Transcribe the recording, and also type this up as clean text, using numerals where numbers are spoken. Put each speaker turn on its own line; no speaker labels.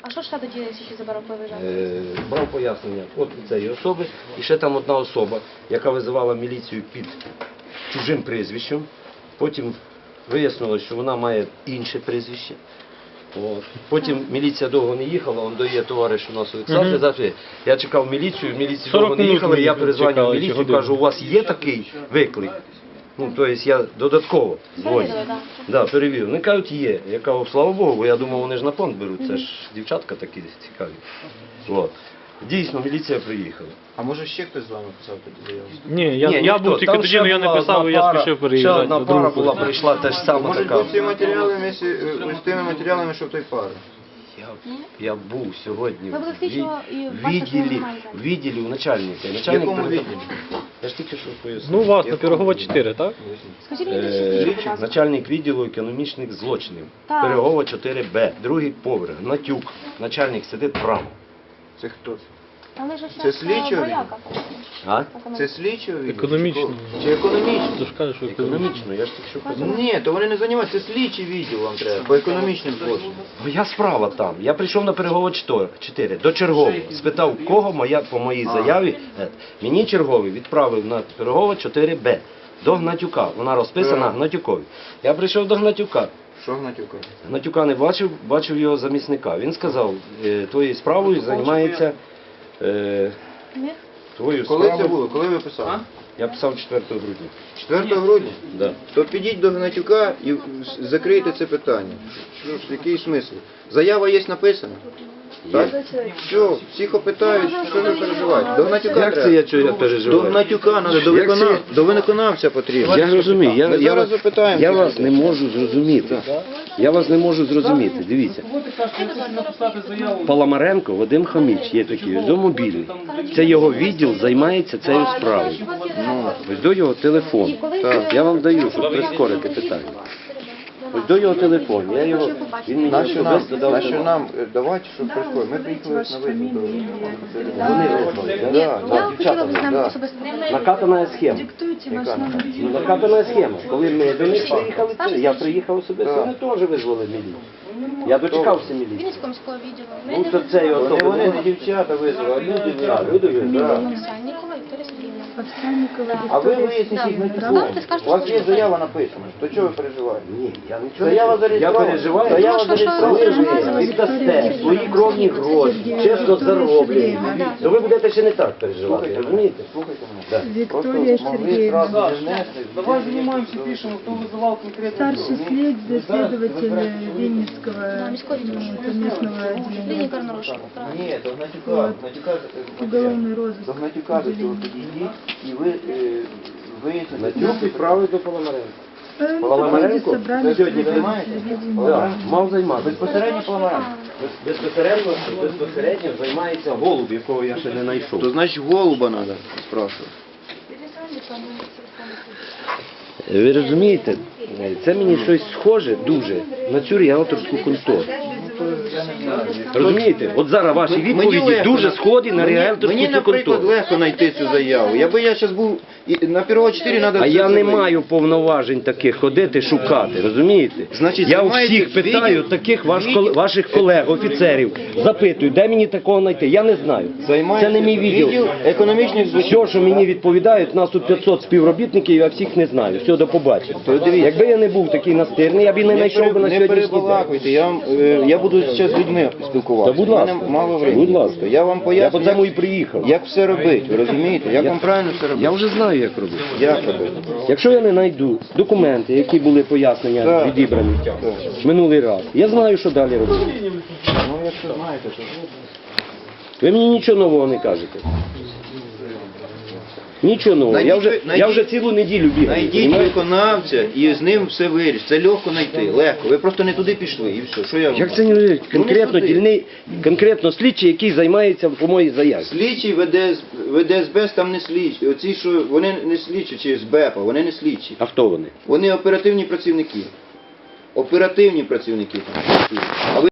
А що ж тоді ще забрав виїжджав?
Брав пояснення от у цієї особи, і ще там одна особа, яка визивала міліцію під чужим прізвищем. Потім вияснилось, що вона має інше прізвище. От. Потім міліція довго не їхала, он дає товариш у нас Олександр, завжди. Я чекав міліцію, міліція довго не їхала, я перезвонив міліцію, кажу, у вас є такий виклик? Ну, тобто я додатково дзвоню. Да, перевірив. Вони кажуть, є. Я кажу, слава Богу, бо я думав, вони ж на понт беруть, це ж дівчатка такі цікаві. От. Дійсно, міліція приїхала.
А може ще хтось з вами писав тоді заяву?
Ні, я був тільки тоді, але я не писав, я спішив переїжджати.
Ще одна пара була, прийшла теж сама
Може
така.
бути ці матеріали з тими матеріалами, що в той пари?
Я був сьогодні
Ви були слідчого і
в
бачите, що
відділі,
немає зараз.
в відділі у начальника.
В
Начальник
якому
передав-
відділі?
Я ж тільки що пояснив.
Ну, у вас на Пирогова 4, так?
Скажіть мені більше, будь ласка.
Начальник відділу економічних злочинів.
Так.
Пирогова 4Б, другий поверх, Гнатюк. Начальник сидить право.
Це хто це?
Але ж
Це
ще
слідчого
вояка.
А?
Це слідчого відділу?
Економічний.
Чи економічний?
Ти ж кажеш, що економічний.
Економічно, я ж тільки що казав.
Ні, то вони не займаються, це слідчий відділ вам треба, по економічним злочинам.
Моя справа там. Я прийшов на Пирогова 4, до чергового. Спитав, кого по моїй заяві. Мені черговий відправив на Пирогова 4Б. До Гнатюка. Вона розписана Гнатюкові. Я прийшов до Гнатюка.
Що Гнатюка?
Гнатюка не бачив, бачив його замісника. Він сказав, твоєю справою займається твою
Коли це
справу.
було? Коли ви писали?
Я писав 4 грудня.
4 грудня?
Да.
То підіть до Гнатюка і закрийте це питання. Який смисл? Заява є написана? Так? Все, всіх опитають, що ви переживаєте. До Гнатюка
Як це
треба.
я чого я
До
переживаю?
Гнатюка треба, до виконавця потрібно.
Я розумію,
Ми зараз запитаємо.
я вас не можу зрозуміти. Я вас не можу зрозуміти. Дивіться. Паламаренко Вадим Хаміч є такий, до мобільний. Це його відділ займається цією справою. Ось до його телефону. Так, я вам даю, щоб прискорити питання. Ось до його телефону. Я його, він мені особисто дав
Нащо
телефон.
нам давати, щоб прискорити? Ми приїхали на визов до
Вони визвали,
Да,
Я
да,
хотіла б з нами
да.
особисто.
накатана схема.
Яка?
Ну, накатана схема. Коли ми до них приїхали, я приїхав особисто,
Так.
вони теж визвали міліцію. Я дочекався міліції.
Вінницького міського відділу.
Ну, то це його
Вони,
особи.
не дівчата визвали, а люди визвали.
Люди визвали.
Да.
Овсянникова Вікторія Сергіївна.
А ви виясніть їх на телефоні. У вас є заява написана. То чого ви переживаєте?
Ні, я нічого
Заява
не я
зареєстрована.
переживаю.
Заява
Ну, що
зареєстрована.
Ви віддасте свої кровні гроші, чесно зароблені, то ви будете ще не так переживати, розумієте?
Слухайте мене.
Да.
Виктория Сергеевна,
Давай занимаемся, пишем, кто вызывал конкретно.
старший следователь Винницкого
Міського відділу.
местного отделения,
Клініка Ророшова.
Ні, до Гнатюка.
уголовный розыск.
До Гнатюка до цього підійдіть і ви виясните.
Натюк відправив до Паламаренка.
Проводить
Паламаренко?
собрание
Сьогодні займаєте?
Да, мав займатися.
Безпосередньо Паламаренко.
Безпосередньо займається голуб, якого я ще не знайшов.
То значить голуба треба спрашувати.
Ви розумієте, це мені щось схоже дуже на цю ріелторську контору. Розумієте? От зараз ваші відповіді дуже схожі на ріелторську
Мені,
цю
наприклад,
контору.
легко знайти цю заяву. Якби я зараз був на Пирогова 4 треба...
А я не маю повноважень таких ходити, шукати, розумієте?
Значить,
Я у
займаєте
всіх питаю
відділ-
таких ваших колег, офіцерів, запитую, де мені такого знайти? Я не знаю. Це не мій відділ.
економічних злочинів.
Все, що мені відповідають, нас тут 500 співробітників, я всіх не знаю. Все, до побачення. Якби я не був такий настирний, я б і не знайшов би на
Не
сьогоднішній день.
перебалакуйте, я буду зараз з людьми спілкуватися.
Та будь
У мене
ласка,
мало времени.
будь ласка.
Я вам
Я
поясню,
по цьому і приїхав.
як все робити, ви розумієте? Як вам правильно все робити?
Я вже знаю, як робити.
Як робити?
Якщо я не знайду документи, які були пояснення
Так.
відібрані минулий раз, я знаю, що далі робити.
Ну, якщо знаєте, то...
Ви мені нічого нового не кажете. Нічого нового. Я вже цілу неділю бігаю.
Найдіть
понімаєте?
виконавця і з ним все вирішить. Це легко знайти, легко. Ви просто не туди пішли і все. Що я вам
Як
кажу?
це не конкретно
туди.
конкретно слідчий, який займається по моїй заяві?
Слідчий веде СБЕС, там не слідчі. Оці, що вони не слідчі, чи СБЕПа, вони не слідчі.
А хто вони?
Вони оперативні працівники. Оперативні працівники там. А ви